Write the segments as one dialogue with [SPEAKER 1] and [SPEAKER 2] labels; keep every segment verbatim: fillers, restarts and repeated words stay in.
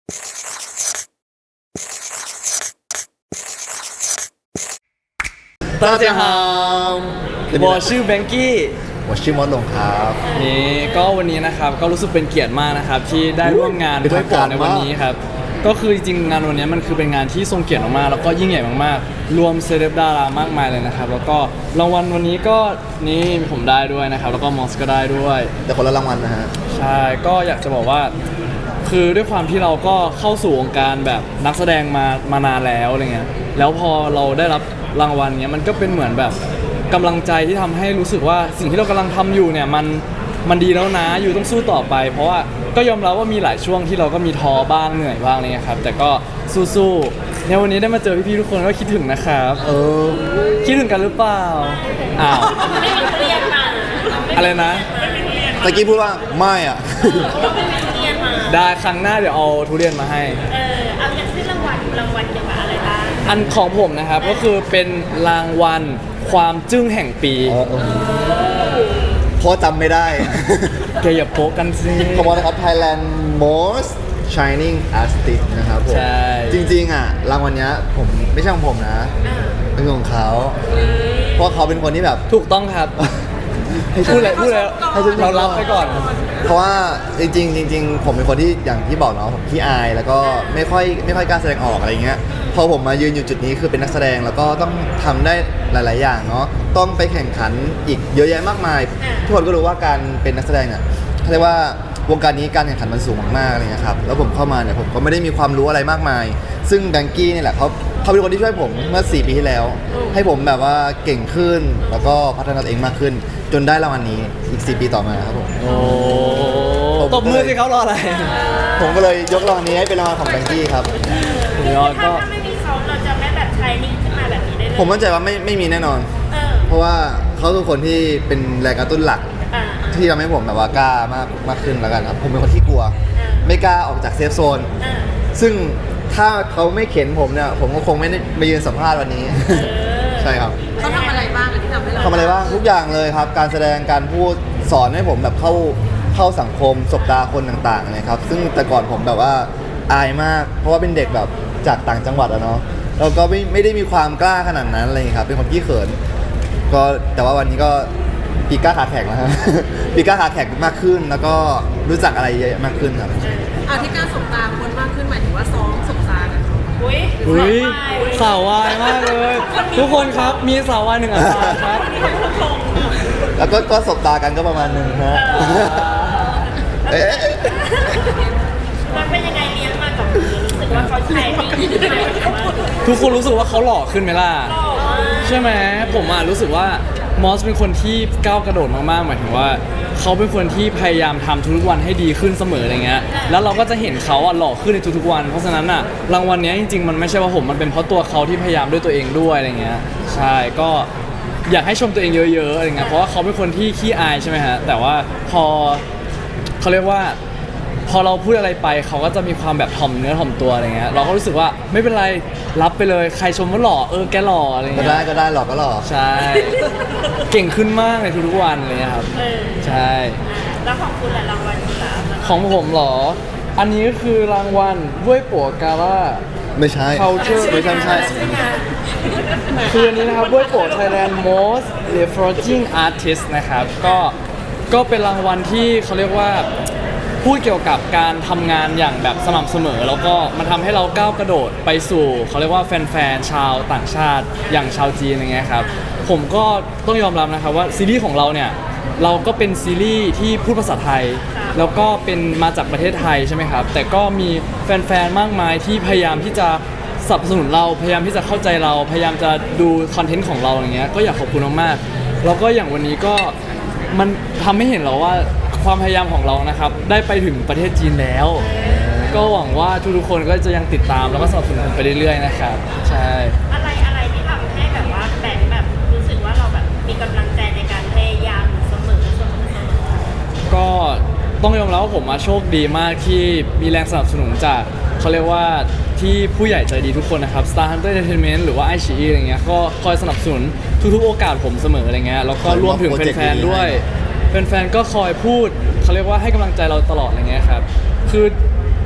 [SPEAKER 1] 大家好我ชื่อแบงกี้
[SPEAKER 2] ผมชื่อมอสลงครับ
[SPEAKER 1] นี่ก็วันนี้นะครับก็รู้สึกเป็นเกียรติมากนะครับที่ได้ร่วมงานด้วยโปรในวันนี้ครับก็คือจริงๆงานวันนี้มันคือเป็นงานที่ทรงเกียรติมากๆแล้วก็ยิ่งใหญ่มากๆรวมเซเลบดารามากมายเลยนะครับแล้วก็รางวัลวันนี้ก็นี่ผมได้ด้วยนะครับแล้วก็มอสก็ได้ด้วย
[SPEAKER 2] แต่คนละรางวัลนะฮะ
[SPEAKER 1] ใช่ก็อยากจะบอกว่าคือด้วยความที่เราก็เข้าสู่วงการแบบนักแสดงมามานานแล้วอะไรเงี้ยแล้วพอเราได้รับรางวัลเนี้ยมันก็เป็นเหมือนแบบกำลังใจที่ทำให้รู้สึกว่าสิ่งที่เรากำลังทำอยู่เนี่ยมันมันดีแล้วนะอยู่ต้องสู้ต่อไป เพราะว่าก็ยอมรับว่ามีหลายช่วงที่เราก็มีท้อบ้างเหนื่อยบ้างอะไรเงี้ยครับแต่ก็สู้ๆในวันนี้ได้มาเจอพี่ๆทุกคนก็คิดถึงนะครับ
[SPEAKER 2] เออ
[SPEAKER 1] คิดถึงกันหรือเปล่าอ้าวอะไรนะ
[SPEAKER 2] ตะกี้พูดว่าไม่อ่ะ
[SPEAKER 1] ได้ครั้งหน้าเดี๋ยวเอาทุเรียนมาให้
[SPEAKER 3] เออเอาอย่างที่รางวัลรางวัลเกี่ยวกับอะไรบ้าง
[SPEAKER 1] อันของผมนะครับก็คือเป็นรางวัลความจึ้งแห่งปี
[SPEAKER 2] เพราะจำไม่ได้
[SPEAKER 1] แกอย่าโป๊ะกันสิ
[SPEAKER 2] ขอบคุณนะครับ Thailand Most Shining Artist นะครับผม
[SPEAKER 1] ใช่
[SPEAKER 2] จริงๆอ่ะรางวัลเนี้ยผมไม่ใช่ของผมนะ เป็นของเขา เพราะเขาเป็นคนที่แบบ
[SPEAKER 1] ถูกต้องครับพูดแล้วพูดแล้วเรารับไปก่อน
[SPEAKER 2] เพราะว่าจริงๆจริงๆผมเป็นคนที่อย่างที่บอกเนาะผมขี้อายแล้วก็ไม่ค่อยไม่ค่อยกล้าแสดงออกอะไรเงี้ยพอผมมายืนอยู่จุดนี้คือเป็นนักแสดงแล้วก็ต้องทำได้หลาย ๆ อย่างเนาะต้องไปแข่งขันอีกเยอะแยะมากมายทุกคนก็รู้ว่าการเป็นนักแสดงเนี่ยเขาเรียกว่าวงการนี้การแข่งขันมันสูงมากๆอะไรเงี้ยครับแล้วผมเข้ามาเนี่ยผมก็ไม่ได้มีความรู้อะไรมากมาย ซึ่งแบงกี้เนี่ยแหละเขาเขาเป็นคนที่ช่วยผมเมื่อสี่ปีที่แล้ว ให้ผมแบบว่าเก่งขึ้นแล้วก็พัฒนาตัวเองมากขึ้น จนได้รางวัลนี้อีกสี่ปีต่อมาครับผม
[SPEAKER 1] โอ้ตบมือสิเขารออะไร
[SPEAKER 2] ผมก็เลยยกรางวัลนี้ให้เป็นรางวัลของแบงกี้ครับ
[SPEAKER 1] ยอด
[SPEAKER 3] ถ้า
[SPEAKER 1] ก็
[SPEAKER 3] ถ้าไม่มีเขาเราจะไม่แบบชายนิ่งขึ้นมาแบบนี้ได้เลย
[SPEAKER 2] ผมมั่นใจว่าไม่ไม่มีแน่นอน
[SPEAKER 3] เออ
[SPEAKER 2] เพราะว่าเขาคือคนที่เป็นแรงกระตุ้นหลัก
[SPEAKER 3] อ่า
[SPEAKER 2] ที่ทำให้ผมแบบว่ากล้ามากมากขึ้นแล้วกันครับ ผมเป็นคนที่กลัว ไม่กล้าออกจากเซฟโซน
[SPEAKER 3] อ่า
[SPEAKER 2] ซึ่งถ้าเขาไม่เข็นผมเนี่ย ผมก็คงไม่ได้มายืนสัมภาษณ์วันนี้ ใช่ครับ
[SPEAKER 3] เขาทำอะไรบ้างที่ทำให้เรา
[SPEAKER 2] ทำอะไรบ้างทุกอย่างเลยครับ การแสดงการพูดสอนให้ผมแบบเข้าเข้าสังคมสบตาคนต่างๆนะครับ ซึ่งแต่ก่อนผมแบบว่าอายมาก เพราะว่าเป็นเด็กแบบจากต่างจังหวัดอะเนาะแล้วก็ไม่ไม่ได้มีความกล้าขนาดนั้นอะไรอย่างเลยครับ เป็นคนขี้เขิน ก็แต่ว่าวันนี้ก็ปีกล้าขาแข็งแล้วครับ ปีกล้าขาแข็งมากขึ้น แล้วก็รู้จักอะไรเยอะมากขึ้นครับ
[SPEAKER 4] อาที่การสบตาคนมากขึ้นหมายถึงว่าซ้อมสบตากัน
[SPEAKER 3] อุ้ย
[SPEAKER 1] อุ้ยสาววายมากเลย ทุกคนครับมีสาววายหนึ่งอัตราครับ
[SPEAKER 2] แล้วก็ก็สบตากันก็ประมาณหนึงฮะเอ๊ะ
[SPEAKER 3] มันเป็นยังไงเลี้ยงมากับมือรู้สึกว่าเขาชายนิ่งขึ้นมาแบบว่า
[SPEAKER 1] ทุกคนรู้สึกว่าเขาหล่อขึ้นไหมล่ะ
[SPEAKER 3] หล่อมาก
[SPEAKER 1] ใช่ไหมผมอ่ะรู้สึกว่ามอสเป็นคนที่ก้าวกระโดดมากๆหมายถึงว่าเขาเป็นคนที่พยายามทำทุกๆวันให้ดีขึ้นเสมออะไรเงี้ยแล้วเราก็จะเห็นเขาอ่ะหล่อขึ้นในทุกๆวัน เพราะฉะนั้นอ่ะรางวัลเนี้ยจริงๆมันไม่ใช่ว่าผมมันเป็นเพราะตัวเขาที่พยายามด้วยตัวเองด้วยอะไรเงี้ยใช่ก็อยากให้ชมตัวเองเยอะๆอะไรเงี้ยเพราะว่าเขาเป็นคนที่ขี้อายใช่ไหมฮะแต่ว่าพอเขาเรียกว่า พอเราพูดอะไรไปเขาก็จะมีความแบบถ่อมเนื้อถ่อมตัวอะไรเงี้ยเราก็รู้สึกว่าไม่เป็นไรรับไปเลยใครชมว่าหล่อเออแกหล่ออะไร
[SPEAKER 2] ก็
[SPEAKER 1] เงี้ย
[SPEAKER 2] ได้ก็ได้หรอกก็หรอก
[SPEAKER 1] ใช่ เก่งขึ้นมากในทุกๆวันเลยครับ
[SPEAKER 3] เออ
[SPEAKER 1] ใช่
[SPEAKER 3] แล้วของคุณแหละรางวัลที่สามอะ
[SPEAKER 1] ของผมเหรอ อันนี้ก็คือรางวัลด้วยปัวกาล่า
[SPEAKER 2] ไม่ใช่
[SPEAKER 1] Culture
[SPEAKER 2] ไม่ใช่ไม่ใช่
[SPEAKER 1] คืออันนี้นะครับด้วยปัว Thailand Most Refreshing Artist นะครับ ก็ก็เป็นรางวัลที่เขาเรียกว่าพูดเกี่ยวกับการทำงานอย่างแบบสม่ำเสมอ แล้วก็มันทำให้เราก้าวกระโดดไปสู่เขาเรียกว่าแฟนๆชาวต่างชาติอย่างชาวจีนอะไรเงี้ยครับผมก็ต้องยอมรับนะครับว่าซีรีส์ของเราเนี่ยเราก็เป็นซีรีส์ที่พูดภาษาไทย แล้วก็เป็นมาจากประเทศไทยใช่ไหมครับแต่ก็มีแฟนๆมากมายที่พยายามที่จะสนับสนุนเราพยายามที่จะเข้าใจเราพยายามจะดูคอนเทนต์ของเราอย่างเงี้ยก็อยากขอบคุณมากๆแล้วก็อย่างวันนี้ก็มันทำให้เห็นแล้วว่าความพยายามของเรานะครับได้ไปถึงประเทศจีนแล้ว ก็หวังว่าทุกๆคนก็จะยังติดตามแล้วก็สนับสนุนไปเรื่อยๆนะครับใช่
[SPEAKER 3] อะไรอะไรที่ทำให้แบบว่าแบงค์แบบรู้สึกว่าเราแบบมีกำลังใจในการพยายามอยู่เสมอเสมอเสมอ
[SPEAKER 1] ก็ต้องยอมรับว่าผมมาโชคดีมากที่มีแรงสนับสนุนจากเขาเรียกว่าที่ผู้ใหญ่ใจดีทุกคนนะครับ Star Hunter Entertainment หรือว่า ไอ ซี อี อะไรเงี้ยก็คอยสนับสนุนทุกๆโอกาสผมเสมออะไรเงี้ยแล้วก็รวมถึงแฟนๆด้วยแฟนๆก็คอยพูดเขาเรียกว่าให้กำลังใจเราตลอดอะไรเงี้ยครับคือ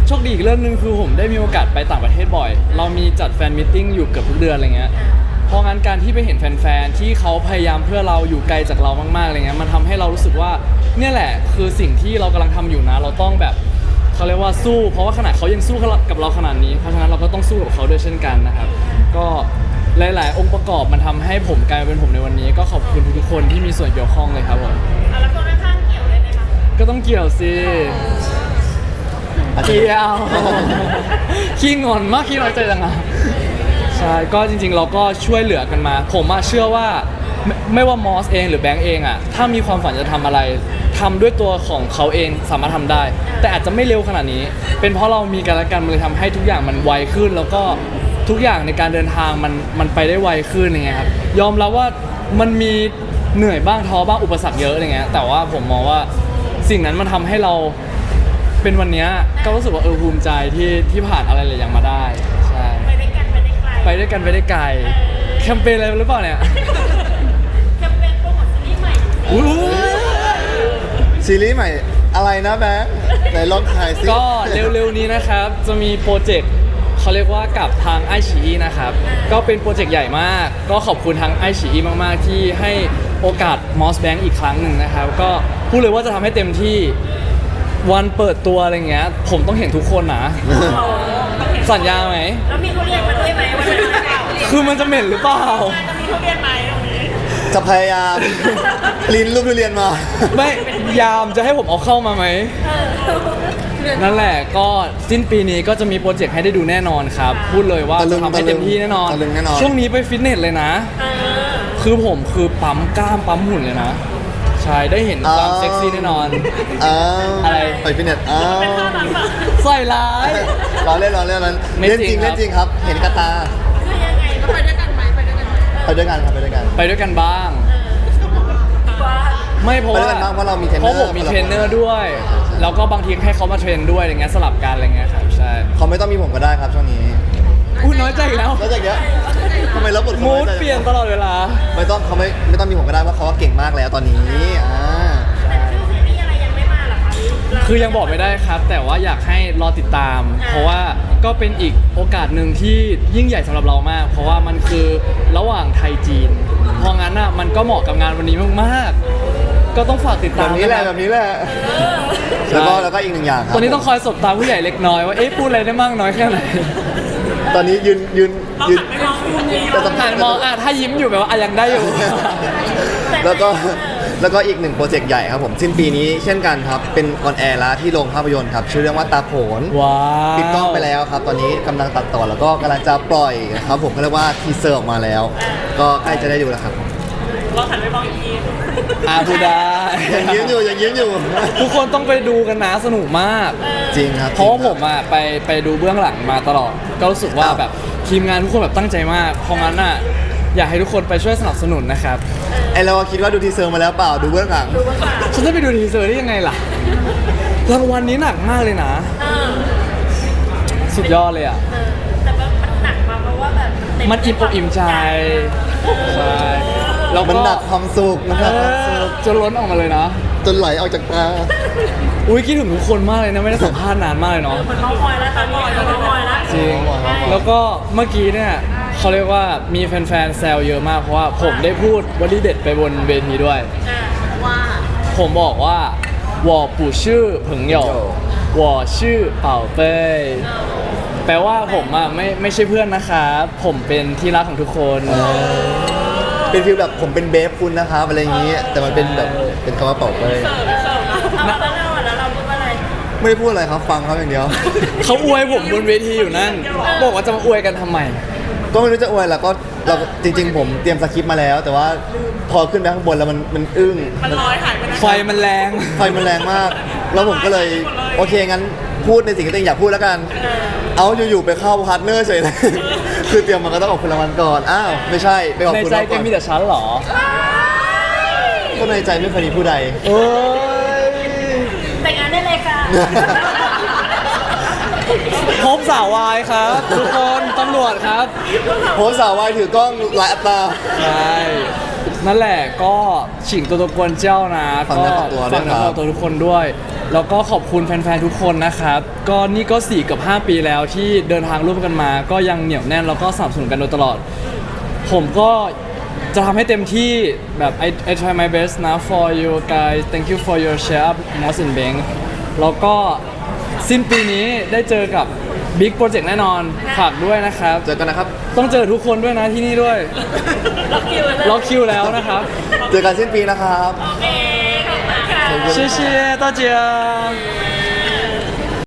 [SPEAKER 1] โชคดีอีกเรื่องหนึงคือผมได้มีโอกาสไปต่างประเทศบ่อย เรามีจัดแฟนมิทติ้งอยู่เกือบทุกเดือนอะไรเงี้ยเพราะงั้นการที่ไปเห็นแฟนๆที่เขาพยายามเพื่อเราอยู่ไกลจากเรามากๆอะไรเงี้ยมันทำให้เรารู้สึกว่าเนี่ยแหละคือสิ่งที่เรากำลังทำอยู่นะเราต้องแบบเขาเรียกว่าสู้เพราะว่าขนาดเขายังสู้กับเราขนาดนี้เพราะฉะนั้นเราก็ต้องสู้กับเขาด้วยเช่นกันนะครับก็หลายๆองค์ประกอบมันทำให้ผมกลายเป็นผมในวันนี้ก็ขอบคุณทุกๆคนที่มีส่วนเกี่ยวข้องเลยครับผม
[SPEAKER 3] เอาแล้วคนข้างๆเกี่ยวได้ไหมคะ
[SPEAKER 1] ก็ต้องเกี่ยวสิเกี่ยวขี้งอนมากขี้น้อยใจจังอะใช่ก็จริงๆเราก็ช่วยเหลือกันมาผมอะเชื่อว่าไม่ไม่ว่ามอสเองหรือแบงก์เองอะถ้ามีความฝันจะทำอะไรทำด้วยตัวของเขาเองสามารถทำได้ แต่อาจจะไม่เร็วขนาดนี้ เป็นเพราะเรามีกันและกันมันเลยทำให้ทุกอย่างมันไวขึ้น แล้วก็ทุกอย่างในการเดินทางมันมันไปได้ไวขึ้นอย่างเงี้ยครับยอมรับว่ามันมีเหนื่อยบ้างท้อบ้างอุปสรรคเยอะอย่างเงี้ยแต่ว่าผมมองว่าสิ่งนั้นมันทำให้เราเป็นวันนี้ก็รู้สึกว่าเออภูมิใจที่ที่ผ่านอะไรหลายอย่างมาได้ใช่
[SPEAKER 3] ไปด้วยกันไปได้ไกล
[SPEAKER 1] ไปด้วยกันไปได้ไกลแคมเปญอะไรหรือเปล่าเนี่ย
[SPEAKER 3] แคมเปญโปรโมทซีรีส์ใหม่
[SPEAKER 1] อุ๊ย
[SPEAKER 2] ซีรีส์ใหม่อะไรนะแบงค์ไหนลองขายซิ
[SPEAKER 1] ก็เร็วๆนี้นะครับจะมีโปรเจกต์เขาเรียกว่ากับทางไอชีอีนะครับก็เป็นโปรเจกต์ใหญ่มาก ก็ขอบคุณทางไอชีอีมากๆที่ให้โอกาส Moss Bank อีกครั้งหนึ่งนะครับก็พูดเลยว่าจะทำให้เต็มที่วันเปิดตัวอะไรเงี้ยผมต้องเห็นทุกคนนะ สัญญาไหม
[SPEAKER 3] แล้วมีทุเรียนมาด้วยไหมวันนั้นหรือเปล่า
[SPEAKER 1] คือมันจะเหม็นหรือเปล่า
[SPEAKER 3] จะมีทุเรียนไหมตรงนี้
[SPEAKER 2] จะพยายาม ลิ้นลูกทุเรียนมา
[SPEAKER 1] ไม่ยามจะให้ผมเอาเข้ามาไหม นั่นแหละก็สิ้นปีนี้ก็จะมีโปรเจกต์ให้ได้ดูแน่นอนครับ พูดเลยว่า
[SPEAKER 2] ตะลึ
[SPEAKER 1] จะ
[SPEAKER 2] ง
[SPEAKER 1] ทำให้เต็มที่แน่นอน
[SPEAKER 2] ตะลึงแน่นอน
[SPEAKER 1] ช่วงนี้ไปฟิตเนสเลยนะ
[SPEAKER 3] เออ
[SPEAKER 1] คือผมคือปั๊มกล้ามปั๊มหุ่นเลยนะ ใช่ได้เห็นความเซ็กซี่แน่นอน
[SPEAKER 2] อ้าว
[SPEAKER 1] อะไร
[SPEAKER 2] ไปฟิตเนสอ้าว
[SPEAKER 1] ใส่ร้าย
[SPEAKER 2] เราเล่นเราเล่นเรา
[SPEAKER 1] ไม่
[SPEAKER 2] เล่น
[SPEAKER 1] จ
[SPEAKER 2] จ
[SPEAKER 1] ริ
[SPEAKER 2] ริ
[SPEAKER 1] ง
[SPEAKER 2] ง
[SPEAKER 1] ครับ
[SPEAKER 2] เล่นจริงครับ เห็นกระตา
[SPEAKER 3] คือยังไง
[SPEAKER 4] ก็ไปด้วยกันไหมไปด้วยกันไหม
[SPEAKER 2] ไปด้วยกันครับไปด้วยกัน
[SPEAKER 1] ไปด้วยกันบ้าง
[SPEAKER 3] ว่า
[SPEAKER 1] ไม่เพราะ
[SPEAKER 2] ไป
[SPEAKER 1] ว่า
[SPEAKER 2] ด้วยกันบ้างเพราะเรามีเทรนเน
[SPEAKER 1] เพ
[SPEAKER 2] อร์
[SPEAKER 1] ราะผมมีเทรนเนอร์ด้วย แล้วก็บางทีให้เขามาเทรนด้วยอะไรเงี้ยสลับกันอะไรเงี้ยครับใช่
[SPEAKER 2] เขาไม่ต้องมีผมก็ได้ครับช่วงนี้
[SPEAKER 1] อุ้ยน้อยใจอีกแล้ว
[SPEAKER 2] แล้วจากเนี้ยทำไมรับบทเขา
[SPEAKER 1] มู
[SPEAKER 2] น้อ
[SPEAKER 1] ด
[SPEAKER 2] ใจ
[SPEAKER 1] เปลี่ยนตลอดเวลา
[SPEAKER 2] ไม่ต้องเขาไม่ไม่ต้องมีผมก็ได้เพราะเขาก็เก่งมากแล้วตอนนี้อ่า
[SPEAKER 3] แต่ชื่อซีรีส์อะไรยังไม่มาเหรอคะ
[SPEAKER 1] คือยังบอกไม่ได้ครับ แต่ว่าอยากให้รอติดตาม เพราะว่าก็เป็นอีกโอกาสหนึ่งที่ยิ่งใหญ่สำหรับเรามาก เพราะว่ามันคือระหว่างไทยจีน เพราะงั้นอ่ะมันก็เหมาะกับงานวันนี้มากๆ ก็ต้องฝากติด
[SPEAKER 2] แบ
[SPEAKER 1] ตาม
[SPEAKER 2] บนี้แหละ
[SPEAKER 1] ค
[SPEAKER 2] แบ
[SPEAKER 1] รับบ
[SPEAKER 2] นี้แหละแล้วก็แล้วก็อีกหนึ่งอย่างครับ
[SPEAKER 1] ตอนนี้ต้องคอยสบตาผู้ใหญ่เล็กน้อยว่าเอ๊ะพูดอะไรได้มากน้อยแค่ไหน
[SPEAKER 2] ตอนนี้ยืนยืนยืนจะสัมภา
[SPEAKER 1] อ่า
[SPEAKER 2] ษ
[SPEAKER 1] น
[SPEAKER 2] ณ์
[SPEAKER 1] มองอ่ะถ้ายิ้มอยู่แบบว่าอ่ะยังได้อยู่
[SPEAKER 2] แล้วก็แล้วก็อีกหนึ่งโปรเจกต์ใหญ่ครับผมสิ้นปีนี้เช่นกันครับเป็นออนแอร์แล้วที่โรงภาพยนตร์ครับชื่อเรื่องว่าตาโขน
[SPEAKER 1] ว้าว
[SPEAKER 2] ปิดกล้องไปแล้วครับ ตอนนี้กำลังตัดต่อแล้วก็กำลังจะปล่อยครับผมก็เรียกว่าทีเซอร์ออกมาแล้ว ก็ใกล้จะได้ดูแล้วครับ
[SPEAKER 3] เราหันไปมองอีกที
[SPEAKER 1] อ่ะพูดได้
[SPEAKER 2] ยังยิ้มอยู่ยังยิ้มอยู่
[SPEAKER 1] ทุกคนต้องไปดูกันนะสนุกมาก
[SPEAKER 2] จริงครับ
[SPEAKER 1] เพราะว่าผมอ่ะไปไปดูเบื้องหลังมาตลอด ก็รู้สึกว่าแบบทีมงานทุกคนแบบตั้งใจมาก เพราะงั้นอ่ะอยากให้ทุกคนไปช่วยสนับสนุนนะครับ
[SPEAKER 2] ไอเราคิดว่าดูทีเซอร์มาแล้วเปล่าดูเบื้องหลัง
[SPEAKER 1] ฉันจะไปดูทีเซอร์ได้ยังไงล่ะ รางวัลนี้หนักมากเลยนะ
[SPEAKER 3] เออ
[SPEAKER 1] สุดยอดเลยอ่ะ
[SPEAKER 3] เออแต่ว่ามันหนักมาเพราะว่าแบบเต็
[SPEAKER 1] มันอิ่มอกอิ่มใจ ใช่แล้ว
[SPEAKER 2] มัน
[SPEAKER 1] ก็
[SPEAKER 2] หนักความสุขมันห
[SPEAKER 1] เอ
[SPEAKER 2] นักความสุ
[SPEAKER 1] อ
[SPEAKER 2] ข
[SPEAKER 1] จนล้นออกมาเลยนะ
[SPEAKER 2] จนไหลออกจากตา
[SPEAKER 1] อุ้ยคิดถึงทุกคนมากเลยนะ ไม่ได้สัมภาษณ์นานมากเลยเนาะ
[SPEAKER 3] เหมือนเมาส์มอยแล้วตอนนี้เหมือนเมาส์มอยแล้ว
[SPEAKER 1] จริง แล้วก็เมื่อกี้เนี่ยเขาเรียกว่ามีแฟนๆแซวเยอะมาก เพราะว่าผมได้พูดวลีเด็ดไปบนเวทีด้วย
[SPEAKER 3] อ่า
[SPEAKER 4] ว่า
[SPEAKER 1] ผมบอกว่า我不是朋友我是宝贝แปลว่าผมอ่ะไม่ไม่ใช่เพื่อนนะครับผมเป็นที่รักของทุกคน
[SPEAKER 2] เป็นฟีลแบบผมเป็นเบฟคุณนะครับอะไรอย่างนี้ แต่มันเป็นแบบเป็นคำว่าเป่าเป้ย
[SPEAKER 3] เอาแล้วเราอ่ะแล้วเราพูดว่าอะไร
[SPEAKER 2] ไม่ได้พูดอะไรครับฟังเขาอย่างเดียว
[SPEAKER 1] เขาอวยผมบนเวทีอยู่นั่น บอกว่าจะมาอวยกันทำไม
[SPEAKER 2] ก็ไม่รู้จะอวยแล้วก็เราจริง ๆ ผมเตรียมสคริปต์มาแล้ว แต่ว่าพอขึ้นไปข้างบนแล้วมันมันอึ้ง
[SPEAKER 3] มันลอยหายไปไหน
[SPEAKER 1] ไฟมันแรง
[SPEAKER 2] ไฟมันแรงมาก แล้วผมก็เลยโอเคงั้นพูดในสิ่งที่ตัวเองอยากพูดแล้วกัน เอาอยู่ๆไปเข้าพาร์ทเนอร์เฉยเลย คือเตรียมมาก็ต้องออกคุณรางวัลก่อนอ้าวไม่ใช่ไปออก
[SPEAKER 1] ใน
[SPEAKER 2] คุณ
[SPEAKER 1] ใจ
[SPEAKER 2] รางวัล
[SPEAKER 1] แก
[SPEAKER 2] ก่อน
[SPEAKER 1] มีแต่ฉันเหรอ
[SPEAKER 2] ก็ในใจไม่เคยมีผู้ใด
[SPEAKER 1] เอ้ย
[SPEAKER 3] แต่งงานได้เลยค่ะ
[SPEAKER 1] พบสาววายครับ ทุกคนตำรวจครับ
[SPEAKER 2] โพสต์สาววายถือกล้องหลายอัตรา
[SPEAKER 1] ใช่ นั่นแหละก็ฉิงตัวตะกวนเจ้านะ
[SPEAKER 2] ฝาก
[SPEAKER 1] ก็
[SPEAKER 2] เนื้อฝากตัวด้วย
[SPEAKER 1] ฝากเนื้อ
[SPEAKER 2] ครับ
[SPEAKER 1] ฝากตัวทุกคนด้วยแล้วก็ขอบคุณแฟนๆทุกคนนะครับก็นี่ก็สี่กับห้าปีแล้วที่เดินทางร่วมกันมา ก็ยังเหนียวแน่นแล้วก็สนับสนุนกันโดยตลอด ผมก็จะทำให้เต็มที่แบบ I I try my best นะ for you guys thank you for your share up Moss and Bank แล้วก็สิ้นปีนี้ได้เจอกับ Big Project แน่นอนฝากด้วยนะครับ
[SPEAKER 2] เจอกันนะครับ
[SPEAKER 1] ต้องเจอทุกคนด้วยนะที่นี่ด้วย
[SPEAKER 3] ล็อกคิวเลย
[SPEAKER 1] ล็อกคิวแล้วนะครับ
[SPEAKER 2] เจอกันสิ้นปีนะครับ
[SPEAKER 3] โอเคขอบคุณค่ะ
[SPEAKER 1] 谢谢大家。